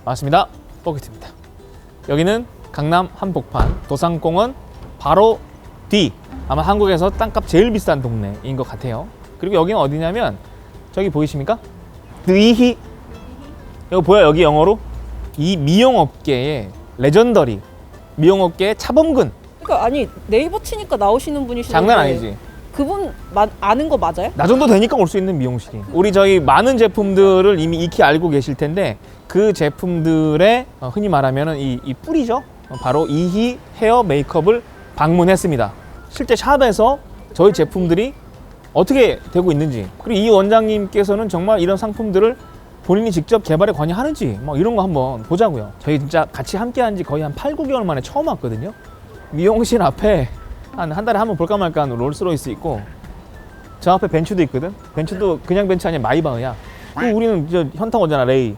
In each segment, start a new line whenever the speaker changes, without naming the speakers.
반갑습니다. 뽀기트입니다. 여기는 강남 한복판 도산공원 바로 뒤, 아마 한국에서 땅값 제일 비싼 동네인 것 같아요. 그리고 여기는 어디냐면 저기 보이십니까? 느이히, 이거 보여? 여기 영어로 이 미용업계의 레전더리, 미용업계의 차범근.
그러니까 아니 네이버 치니까 나오시는 분이시는데
장난 아니지?
그분 아는 거 맞아요?
나 정도 되니까 올 수 있는 미용실이. 우리 저희 많은 제품들을 이미 익히 알고 계실 텐데 그 제품들의 흔히 말하면 이 뿌리죠. 바로 이희 헤어 메이크업을 방문했습니다. 실제 샵에서 저희 제품들이 어떻게 되고 있는지, 그리고 이 원장님께서는 정말 이런 상품들을 본인이 직접 개발에 관여하는지 뭐 이런 거 한번 보자고요. 저희 진짜 같이 함께 한 지 거의 한 8, 9개월 만에 처음 왔거든요. 미용실 앞에 한 달에 한 번 볼까 말까 하는 롤스로이스 있고, 저 앞에 벤츠도 있거든. 벤츠도 그냥 벤츠 아니야, 마이바흐야. 그리고 우리는 저 현타 오잖아, 레이.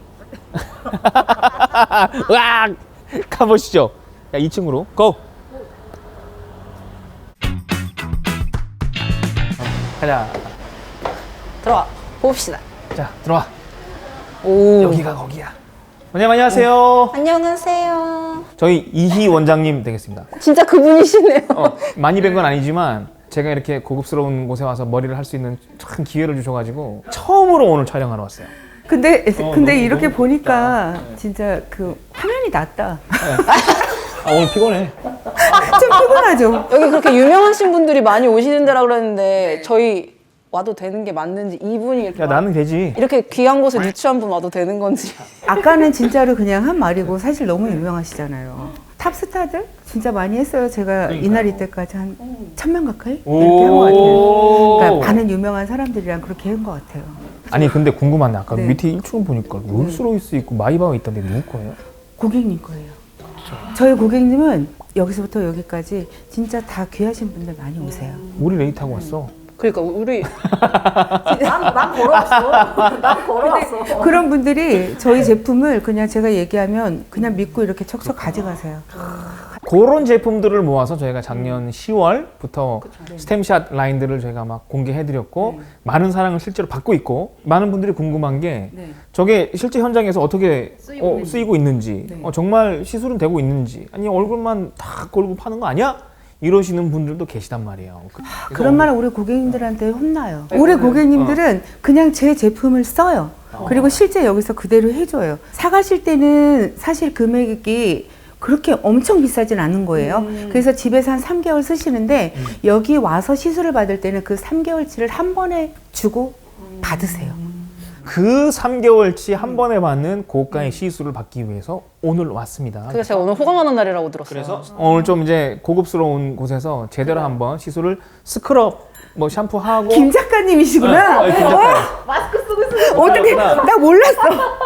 으악! 가보시죠. 야, 2층으로 고! 가자.
들어와 봅시다.
자, 들어와.
오.
여기가 거기야. 원장님 안녕하세요.
안녕하세요.
저희 이희 원장님 되겠습니다.
진짜 그분이시네요.
많이 뵌 건 아니지만 제가 이렇게 고급스러운 곳에 와서 머리를 할 수 있는 참 기회를 주셔가지고 처음으로 오늘 촬영하러 왔어요.
근데
너무,
이렇게
너무
보니까 진짜 그 화면이 낫다.
아, 오늘 피곤해.
좀 피곤하죠.
여기 그렇게 유명하신 분들이 많이 오시는 데라 그랬는데 저희 와도 되는 게 맞는지, 이분이 이렇게,
야, 나는 되지.
이렇게 귀한 곳에 누추한 분 와도 되는 건지.
아까는 진짜로 그냥 한 말이고 사실 너무 유명하시잖아요. 탑스타들 진짜 많이 했어요. 제가 이날 이때까지 한 1000명 가까이 이렇게 한 것 같아요. 그러니까 많은 유명한 사람들이랑 그렇게 한 것 같아요.
아니 근데 궁금한데 아까
네.
밑에 1층 보니까 롤스로이스 있고 마이바흐 있던데 누구 거예요?
고객님 거예요. 저희 고객님은 여기서부터 여기까지 진짜 다 귀하신 분들 많이 오세요.
우리 레이 타고 왔어.
그러니까 우리
난 걸어왔어. 난 걸어왔어.
그런 분들이 저희 제품을 그냥 제가 얘기하면 그냥 믿고 이렇게 척척 가져가세요.
그런 제품들을 모아서 저희가 작년 10월부터 스템샷 라인들을 저희가 막 공개해드렸고 많은 사랑을 실제로 받고 있고, 많은 분들이 궁금한 게 저게 실제 현장에서 어떻게 쓰이고 있는지, 정말 시술은 되고 있는지, 아니 얼굴만 다 걸고 파는 거 아니야? 이러시는 분들도 계시단 말이에요.
그런 말은 우리 고객님들한테 혼나요. 우리 고객님들은 그냥 제 제품을 써요. 그리고 실제 여기서 그대로 해줘요. 사가실 때는 사실 금액이 그렇게 엄청 비싸진 않은 거예요. 그래서 집에서 한 3개월 쓰시는데 여기 와서 시술을 받을 때는 그 3개월치를 한 번에 주고 받으세요.
그 3개월치 한 번에 받는 고가의 시술을 받기 위해서 오늘 왔습니다.
그래서 제가 오늘 호강하는 날이라고 들었어요.
그래서 오늘 좀 이제 고급스러운 곳에서 제대로 한번 시술을 스크럽, 뭐 샴푸하고.
김 작가님이시구나.
김 작가님.
마스크 쓰고 있어.
어떻게 나 몰랐어.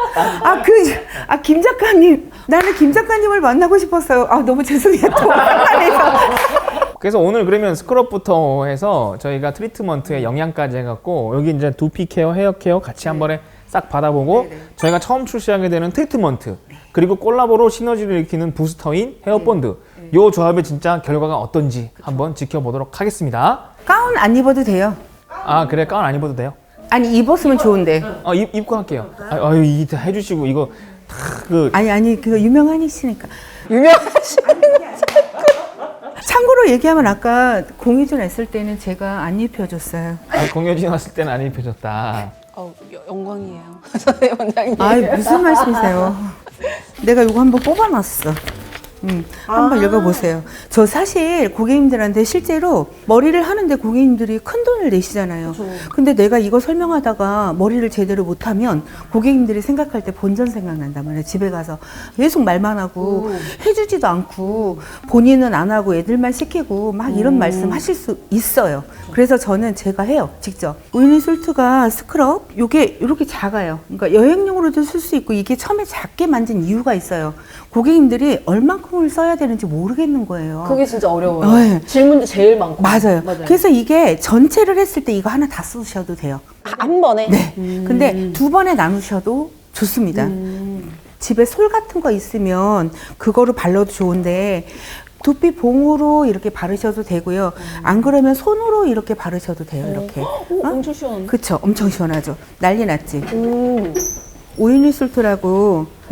김 작가님, 나는 김 작가님을 만나고 싶었어요. 아 너무 죄송해요. 또 헷갈려서.
그래서 오늘 그러면 스크럽부터 해서 저희가 트리트먼트에 영양까지 해갖고 여기 이제 두피 케어, 헤어 케어 같이 한 번에 싹 받아보고, 저희가 처음 출시하게 되는 트리트먼트, 그리고 콜라보로 시너지를 일으키는 부스터인 헤어본드, 요 조합의 진짜 결과가 어떤지 한번 지켜보도록 하겠습니다.
가운 안 입어도 돼요.
아 그래, 가운 안 입어도 돼요?
아니 입었으면 좋은데.
입고 할게요. 아유 이거 해주시고 이거 다
아니 그거 유명하시니까.
유명하신.
참고로 얘기하면 아까 공유준 했을 때는 제가 안 입혀줬어요.
공효진 왔을 때는 안 입혀줬다.
영광이에요. 선생님 원장님.
아 무슨 말씀이세요? 내가 이거 한번 뽑아놨어. 한번 읽어보세요. 저 사실 고객님들한테 실제로 머리를 하는데 고객님들이 큰 돈을 내시잖아요. 근데 내가 이거 설명하다가 머리를 제대로 못하면 고객님들이 생각할 때 본전 생각난단 말이에요. 집에 가서 계속 말만 하고 해주지도 않고 본인은 안 하고 애들만 시키고 막 이런 말씀 하실 수 있어요. 그래서 저는 제가 해요. 직접. 오일리솔트가 스크럽 요게 이렇게 작아요. 그러니까 여행용으로도 쓸 수 있고, 이게 처음에 작게 만든 이유가 있어요. 고객님들이 얼만큼을 써야 되는지 모르겠는 거예요.
그게 진짜 어려워요.
네.
질문도 제일 많고.
맞아요. 그래서 이게 전체를 했을 때 이거 하나 다 쓰셔도 돼요.
한 번에.
네. 근데 2번에 나누셔도 좋습니다. 집에 솔 같은 거 있으면 그거로 발라도 좋은데 두피 봉으로 이렇게 바르셔도 되고요. 안 그러면 손으로 이렇게 바르셔도 돼요. 이렇게.
엄청 시원한데?
그쵸? 엄청 시원하죠. 난리 났지. 오일리솔트라고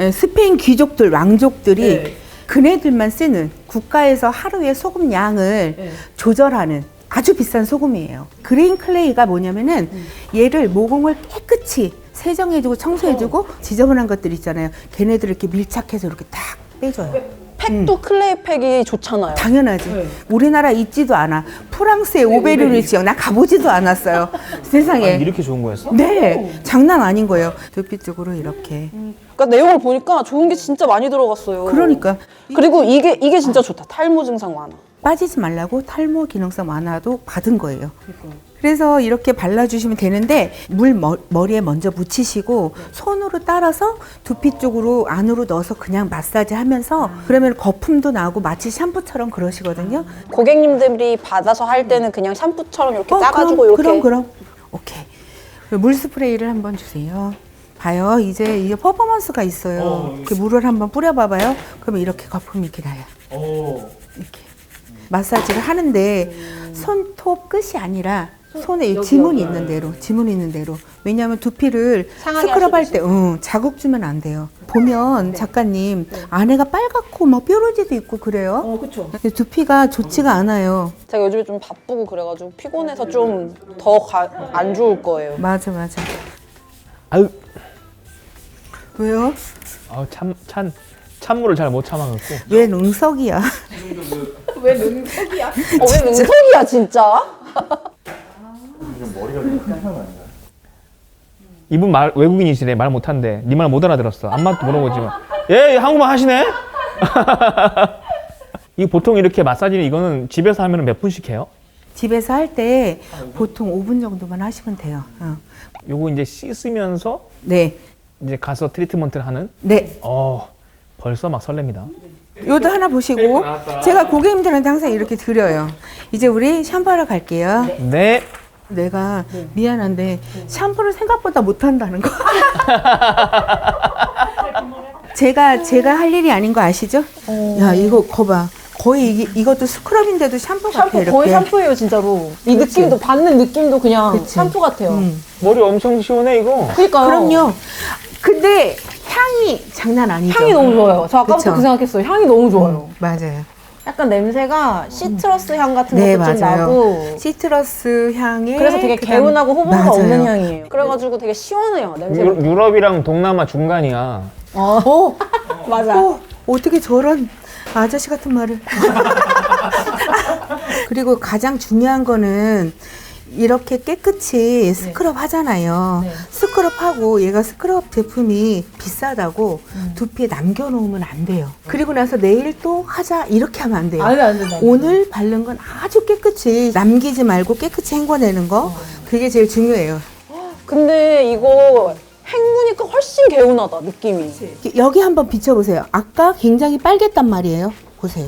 스페인 귀족들, 왕족들이
네.
그네들만 쓰는 국가에서 하루에 소금 양을
네.
조절하는 아주 비싼 소금이에요. 그레인 클레이가 뭐냐면은 얘를 모공을 깨끗이 세정해주고 청소해주고 지저분한 것들 있잖아요. 걔네들 이렇게 밀착해서 이렇게 딱 빼줘요.
팩도 클레이 팩이 좋잖아요.
당연하지.
네.
우리나라 있지도 않아. 프랑스의 오베르르 지역 나 가보지도 않았어요. 세상에.
아니, 이렇게 좋은 거였어?
네, 장난 아닌 거예요. 두피 쪽으로 이렇게.
그러니까 내용을 보니까 좋은 게 진짜 많이 들어갔어요.
그러니까
그리고 이게 진짜 좋다. 탈모 증상 완화.
빠지지 말라고 탈모 기능성 완화도 받은 거예요. 그래서 이렇게 발라주시면 되는데 머리에 먼저 묻히시고 손으로 따라서 두피 쪽으로 안으로 넣어서 그냥 마사지 하면서 그러면 거품도 나고 마치 샴푸처럼 그러시거든요.
고객님들이 받아서 할 때는 그냥 샴푸처럼 이렇게 짜가지고 이렇게.
그럼. 오케이. 물 스프레이를 한번 주세요. 봐요. 이제 퍼포먼스가 있어요. 이렇게 물을 한번 뿌려봐봐요. 그러면 이렇게 거품이 이렇게 나요. 이렇게. 마사지를 하는데 손톱 끝이 아니라 손에 지문이 있는 대로. 왜냐하면 두피를
상하게
스크럽할
하시듯이.
때 자극 주면 안 돼요. 보면 작가님 안에가 빨갛고 막 뾰루지도 있고 그래요.
그렇죠.
근데 두피가 좋지가 않아요.
제가 요즘에 좀 바쁘고 그래가지고 피곤해서 좀 더 안 좋을 거예요.
맞아.
아유,
왜요?
찬물을 잘 못 참아갖고.
왜 능석이야?
왜 능성이야 진짜?
이분 외국인이시래. 말 못한대. 네 말 못 알아들었어. 안맞도 물어보지만. 예, 한국말 하시네? 이 보통 이렇게 마사지는 이거는 집에서 하면 몇 분씩 해요?
집에서 할 때 보통 5분 정도만 하시면 돼요.
요거 이제 씻으면서
네.
이제 가서 트리트먼트를 하는?
네.
벌써 막 설렙니다.
요도 하나 보시고 제가 고객님들한테 항상 이렇게 드려요. 이제 우리 샴푸하러 갈게요.
네.
내가 미안한데 샴푸를 생각보다 못한다는 거. 제가 할 일이 아닌 거 아시죠? 야 이거 거봐. 거의 이것도 스크럽인데도 샴푸 같아. 이렇게.
거의 샴푸예요 진짜로. 이 느낌도 받는 느낌도 그냥
그치.
샴푸 같아요.
머리 엄청 시원해 이거.
그러니까요.
그럼요. 근데 향이 장난 아니죠.
향이 너무 좋아요. 저 아까부터
그쵸?
그 생각했어요. 향이 너무 좋아요.
맞아요.
약간 냄새가 시트러스 향 같은
네,
것도 좀
맞아요.
나고.
시트러스 향에
그래서 되게
그다음-
개운하고 호불호가
맞아요.
없는 향이에요. 그래가지고 되게 시원해요 냄새가.
유럽이랑 동남아 중간이야.
맞아.
어떻게 저런 아저씨 같은 말을. 그리고 가장 중요한 거는 이렇게 깨끗이 스크럽 하잖아요.
네.
스크럽하고 얘가 스크럽 제품이 비싸다고 두피에 남겨놓으면 안 돼요. 그리고 나서 내일 또 하자 이렇게 하면 안 돼요.
안 된다.
오늘 바른 건 아주 깨끗이 남기지 말고 깨끗이 헹궈내는 거 그게 제일 중요해요.
근데 이거 헹구니까 훨씬 개운하다 느낌이.
여기 한번 비춰보세요. 아까 굉장히 빨갰단 말이에요. 보세요.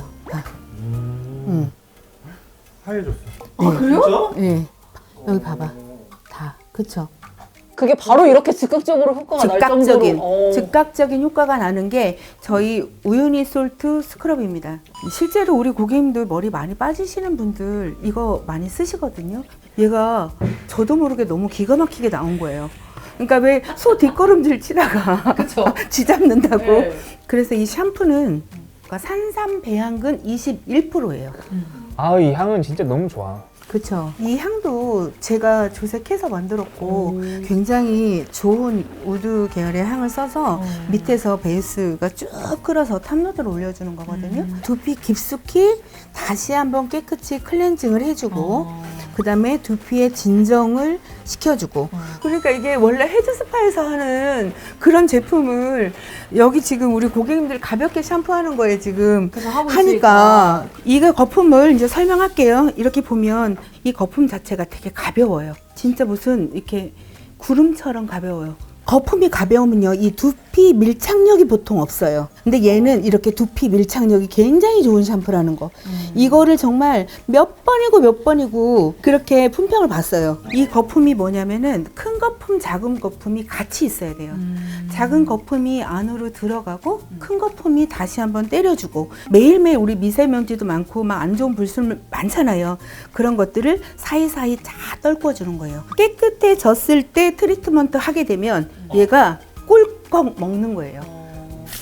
하얘졌어.
그래요?
네. 여기 봐봐. 다. 그쵸?
그게 바로 이렇게 즉각적으로 효과가 날
즉각적인
정도로.
즉각적인 효과가 나는 게 저희 우유니 솔트 스크럽입니다. 실제로 우리 고객님들 머리 많이 빠지시는 분들 이거 많이 쓰시거든요. 얘가 저도 모르게 너무 기가 막히게 나온 거예요. 그러니까 왜 소 뒷걸음질 치다가 쥐 잡는다고.
네.
그래서 이 샴푸는 산삼 배양근 21%예요.
이 향은 진짜 너무 좋아.
그렇죠. 이 향도 제가 조색해서 만들었고 굉장히 좋은 우드 계열의 향을 써서 밑에서 베이스가 쭉 끓어서 탑노드를 올려주는 거거든요. 두피 깊숙이 다시 한번 깨끗이 클렌징을 해주고 그 다음에 두피의 진정을 시켜주고 그러니까 이게 원래 헤드스파에서 하는 그런 제품을 여기 지금 우리 고객님들 가볍게 샴푸하는 거에 지금 하니까 이거 거품을 이제 설명할게요. 이렇게 보면 이 거품 자체가 되게 가벼워요. 진짜 무슨 이렇게 구름처럼 가벼워요. 거품이 가벼우면요, 이 두피 밀착력이 보통 없어요. 근데 얘는 이렇게 두피 밀착력이 굉장히 좋은 샴푸라는 거. 이거를 정말 몇 번이고 그렇게 품평을 봤어요. 이 거품이 뭐냐면은 큰 거품, 작은 거품이 같이 있어야 돼요. 작은 거품이 안으로 들어가고 큰 거품이 다시 한번 때려주고 매일매일 우리 미세먼지도 많고 막 안 좋은 불순물 많잖아요. 그런 것들을 사이사이 다 떨궈주는 거예요. 깨끗해졌을 때 트리트먼트 하게 되면 얘가 꿀꺽 먹는 거예요.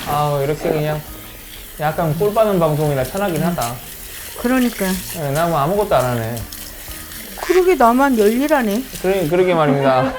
아 이렇게 그냥 약간 꿀 빠는 방송이라 편하긴 하다.
그러니까.
네, 나 뭐 아무것도 안 하네.
그러게 나만 열일하네.
그러게 말입니다.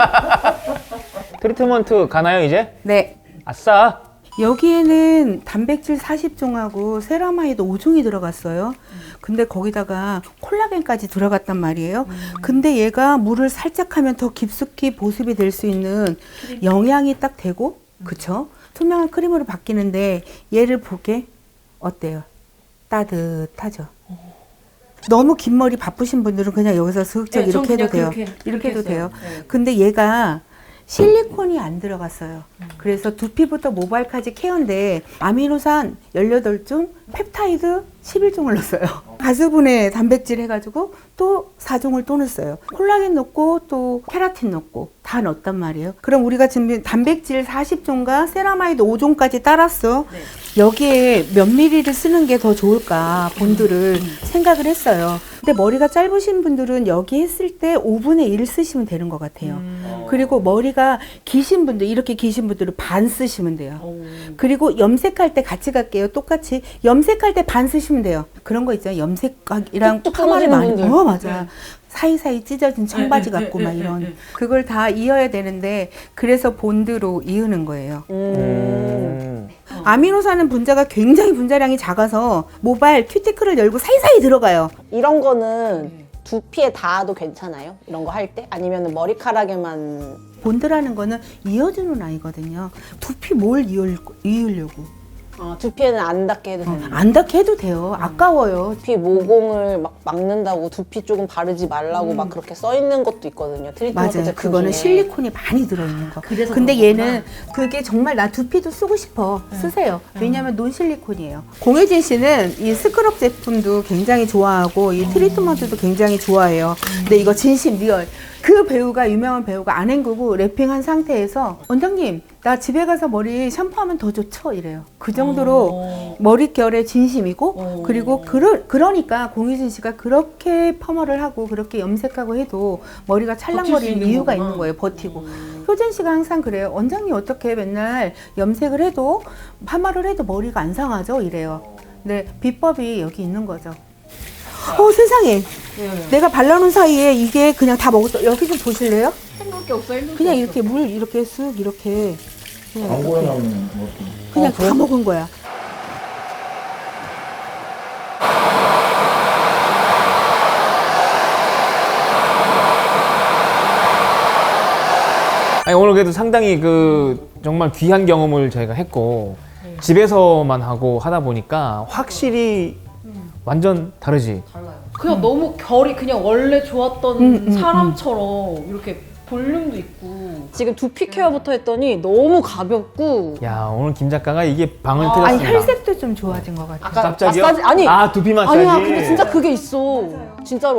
트리트먼트 가나요 이제?
네.
아싸.
여기에는 단백질 40종하고 세라마이드 5종이 들어갔어요. 근데 거기다가 콜라겐까지 들어갔단 말이에요. 근데 얘가 물을 살짝 하면 더 깊숙이 보습이 될 수 있는 영양이 딱 되고, 그쵸? 투명한 크림으로 바뀌는데 얘를 보게 어때요? 따뜻하죠? 너무 긴 머리 바쁘신 분들은 그냥 여기서 스윽적
네, 전
이렇게 해도
그냥
돼요.
그렇게
이렇게 해도
했어요.
돼요.
네.
근데 얘가 실리콘이 안 들어갔어요. 그래서 두피부터 모발까지 케어인데 아미노산 18종, 펩타이드 11종을 넣었어요. 가수분해 단백질 해가지고 또 4종을 또 넣었어요. 콜라겐 넣고 또 케라틴 넣고 다 넣었단 말이에요. 그럼 우리가 지금 단백질 40종과 세라마이드 5종까지 따랐어. 여기에 몇 미리를 쓰는 게 더 좋을까 본드를 생각을 했어요. 근데 머리가 짧으신 분들은 여기 했을 때 5분의 1 쓰시면 되는 것 같아요. 그리고 머리가 기신 분들, 이렇게 기신 분들은 반 쓰시면 돼요. 그리고 염색할 때 같이 갈게요. 똑같이 염색할 때 반 쓰시면 돼요. 그런 거 있잖아요. 염색이랑
뚝뚝
파마를 많이.
끊어지는 분들.
맞아. 사이사이 찢어진 청바지 같고 막 이런. 그걸 다 이어야 되는데 그래서 본드로 이으는 거예요. 아미노산은 분자가 굉장히 분자량이 작아서 모발 큐티클을 열고 사이사이 들어가요.
이런 거는 두피에 닿아도 괜찮아요? 이런 거 할 때? 아니면 머리카락에만
본드라는 거는 이어주는 아이거든요. 두피 뭘 이으려고.
두피에는 안 닿게 해도 되는
안 닿게 해도 돼요. 아까워요.
두피 모공을 막 막는다고 두피 조금 바르지 말라고 막 그렇게 써 있는 것도 있거든요. 트리트먼트
맞아요.
제품
그거는
중에.
실리콘이 많이 들어있는 거. 근데 얘는 그게 정말 나 두피도 쓰고 싶어. 쓰세요. 왜냐면 논실리콘이에요. 공혜진 씨는 이 스크럽 제품도 굉장히 좋아하고 이 트리트먼트도 굉장히 좋아해요. 근데 이거 진심 리얼. 그 배우가 유명한 배우가 안 헹구고 랩핑한 상태에서 원장님 나 집에 가서 머리 샴푸하면 더 좋죠 이래요. 그 정도로 머릿결에 진심이고 그리고 그러니까 공유진 씨가 그렇게 펌어를 하고 그렇게 염색하고 해도 머리가 찰랑거리는 이유가 있는 거예요. 버티고. 효진 씨가 항상 그래요. 원장님 어떻게 맨날 염색을 해도 파마를 해도 머리가 안 상하죠 이래요. 근데 비법이 여기 있는 거죠. 세상에. 내가 발라놓은 사이에 이게 그냥 다 먹었어. 여기 좀 보실래요?
생각게 없어.
그냥 이렇게 물 이렇게 쓱 이렇게 그냥,
광고에
이렇게.
나오는 뭐
그냥 다 먹은 거야.
아니, 오늘 그래도 상당히 그 정말 귀한 경험을 저희가 했고 집에서만 하고 하다 보니까 확실히 완전 다르지.
그냥 너무 결이 그냥 원래 좋았던 사람처럼 이렇게 볼륨도 있고.
지금 두피 케어부터 했더니 너무 가볍고
야 오늘 김 작가가 이게 방을
아니
틀었습니다.
혈색도 좀 좋아진 것 같아요.
아까
갑자기요?
마사지 아니
아 두피 마사지.
아니야 근데 진짜 그게 있어. 진짜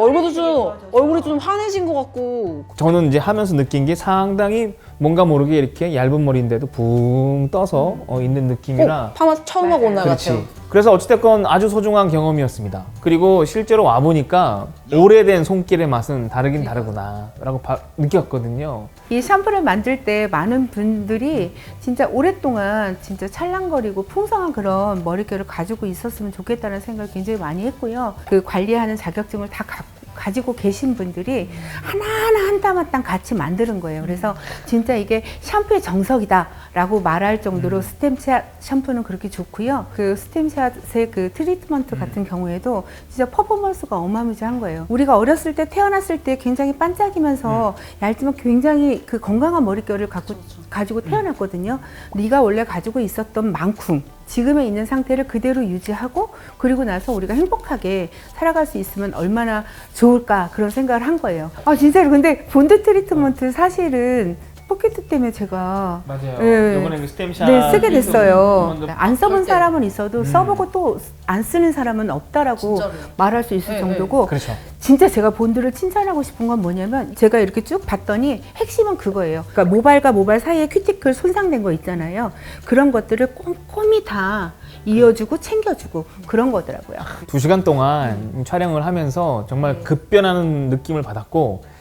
얼굴이 좀 환해진 것 같고.
저는 이제 하면서 느낀 게 상당히 뭔가 모르게 이렇게 얇은 머리인데도 붕 떠서 있는 느낌이라.
파마 처음 하고 온 날
그렇지.
같아요.
그래서 어찌됐건 아주 소중한 경험이었습니다. 그리고 실제로 와보니까 오래된 손길의 맛은 다르긴 다르구나 라고 느꼈거든요.
이 샴푸를 만들 때 많은 분들이 진짜 오랫동안 진짜 찰랑거리고 풍성한 그런 머릿결을 가지고 있었으면 좋겠다는 생각을 굉장히 많이 했고요. 그 관리하는 자격증을 다 가지고 계신 분들이 하나하나 한 땀 한 땀 같이 만드는 거예요. 그래서 진짜 이게 샴푸의 정석이다라고 말할 정도로 스템샷 샴푸는 그렇게 좋고요. 그 스템샷의 그 트리트먼트 같은 경우에도 진짜 퍼포먼스가 어마무지한 거예요. 우리가 어렸을 때 태어났을 때 굉장히 반짝이면서 얇지만 굉장히 그 건강한 머릿결을 가지고 태어났거든요. 네가 원래 가지고 있었던 만큼 지금에 있는 상태를 그대로 유지하고 그리고 나서 우리가 행복하게 살아갈 수 있으면 얼마나 좋을까 그런 생각을 한 거예요. 진짜로 근데 본드 트리트먼트 사실은 포켓 때문에 제가
맞아요. 이번에 스템샷
네, 쓰게 됐어요. 안 써본 사람은 있어도 써보고 또 안 쓰는 사람은 없다라고
진짜로요.
말할 수 있을 정도고
그렇죠.
진짜 제가 본드를 칭찬하고 싶은 건 뭐냐면 제가 이렇게 쭉 봤더니 핵심은 그거예요. 그러니까 모발과 모발 사이에 큐티클 손상된 거 있잖아요. 그런 것들을 꼼꼼히 다 이어주고 챙겨주고 그런 거더라고요.
2시간 동안 촬영을 하면서 정말 급변하는 느낌을 받았고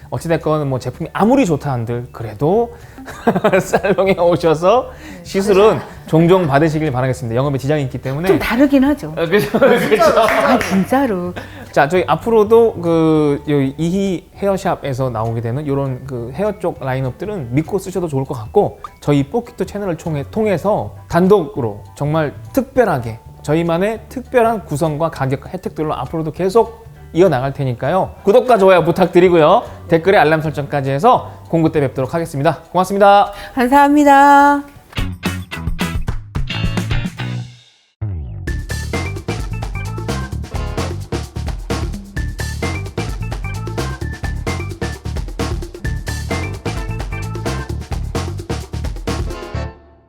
어찌됐건 뭐 제품이 아무리 좋다 한들 그래도 살롱에 오셔서 시술은 종종 받으시길 바라겠습니다. 영업에 지장이 있기 때문에.
좀 다르긴 하죠.
그렇죠.
아 진짜로.
자, 저희 앞으로도 그 여기 이희 헤어샵에서 나오게 되는 이런 그 헤어 쪽 라인업들은 믿고 쓰셔도 좋을 것 같고, 저희 뽀키토 채널을 통해서 단독으로 정말 특별하게 저희만의 특별한 구성과 가격 혜택들로 앞으로도 계속 이어나갈 테니까요. 구독과 좋아요 부탁드리고요. 댓글에 알람 설정까지 해서 공구 때 뵙도록 하겠습니다. 고맙습니다.
감사합니다.